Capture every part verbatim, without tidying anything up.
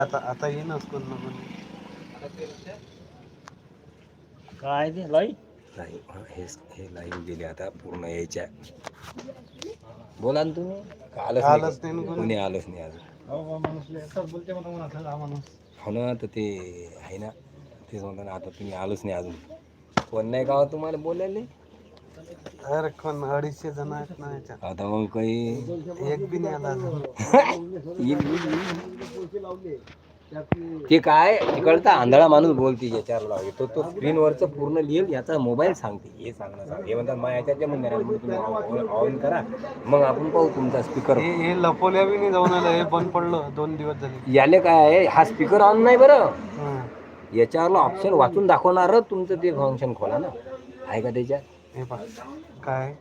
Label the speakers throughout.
Speaker 1: आता आता येईनच कोण ना कोण.
Speaker 2: काय ते लाई
Speaker 3: नाही हे हे लाईव्ह गेले आता पूर्ण यायच्या. बोला ना तुम्ही. आलंच नाही कोणी कोणी आलंच नाही अजून.
Speaker 1: बोलते मला म्हणा हा माणूस.
Speaker 3: हो ना तर ते आहे ना तेच म्हणतो ना आता तुम्ही आलोच नाही अजून. कोण नाही का तुम्हाला बोलायला.
Speaker 1: अरे कोण अडीचशे जण आहेत ना याच्यात.
Speaker 3: आता मग काही
Speaker 1: एक बी नाही आला अजून.
Speaker 3: ते काय तिकडचा आंधळा माणूस बोलते याच्यावर लावले तो तो स्क्रीनवरचं पूर्ण लिहिल याचा मोबाईल सांगते हे सांगणं सांग हे म्हणतात मग याच्यात म्हणून तुम्ही ऑन करा मग आपण पाहू तुमचा स्पीकर.
Speaker 1: हे हे लपवल्या बी नाही जाऊन आलं हे बंद पडलं दोन दिवस झाले.
Speaker 3: याले काय आहे हा स्पीकर ऑन नाही बरं.
Speaker 1: हं.
Speaker 3: याच्यावरला ऑप्शन वाचून दाखवणार तुमचं ते फंक्शन खोला ना आहे का त्याच्यात.
Speaker 1: हे पहा काय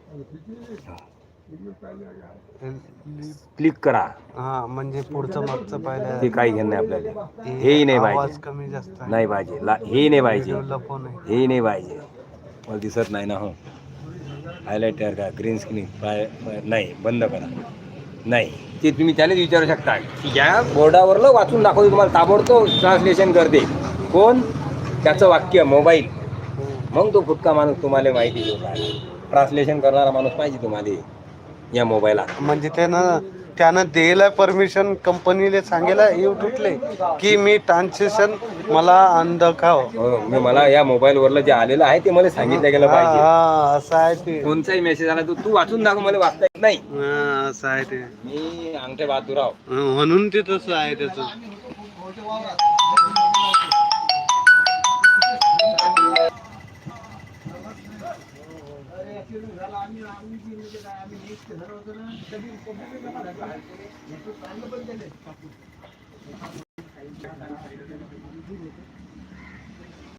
Speaker 3: क्लिक करा.
Speaker 1: हा म्हणजे पुढचं मागचं पाहिलं
Speaker 3: ते काही घेणं नाही आपल्याला. हेही नाही
Speaker 1: आवाज
Speaker 3: पाहिजे
Speaker 1: कमी जास्त आहे.
Speaker 3: नाही पाहिजे ला हेही नाही पाहिजे
Speaker 1: व्हिडिओ लपवून आहे.
Speaker 3: हेही नाही पाहिजे मला दिसत नाही ना. हो हायलायटर का ग्रीन स्क्रीन पाय नाही बंद करा नाही ते तुम्ही त्यालाच विचारू शकता की या बोर्डावरलं वाचून दाखवते तुम्हाला ताबडतोब ट्रान्सलेशन करते कोण त्याचं वाक्य मोबाईल. मग तो फुटका माणूस तुम्हाला माहिती देऊ काय ट्रान्सलेशन करणारा माणूस पाहिजे तुम्हाला या मोबाईलात.
Speaker 1: म्हणजे त्यानं त्यानं द्यायला परमिशन कंपनीला सांगेला युट्यूबले की मी ट्रान्सलेशन मला अंधकाव
Speaker 3: मी मला या मोबाईल वरलं जे आलेलं आहे ते मला सांगितलं गेलं पाहिजे.
Speaker 1: हा असं आहे ते.
Speaker 3: कोणताही मेसेज आला तर तू वाचून दाखव मला वाचता येत नाही.
Speaker 1: हा असं आहे ते.
Speaker 3: मी अंगठे बहादूरराव
Speaker 1: म्हणून ते तसं आहे त्याचं.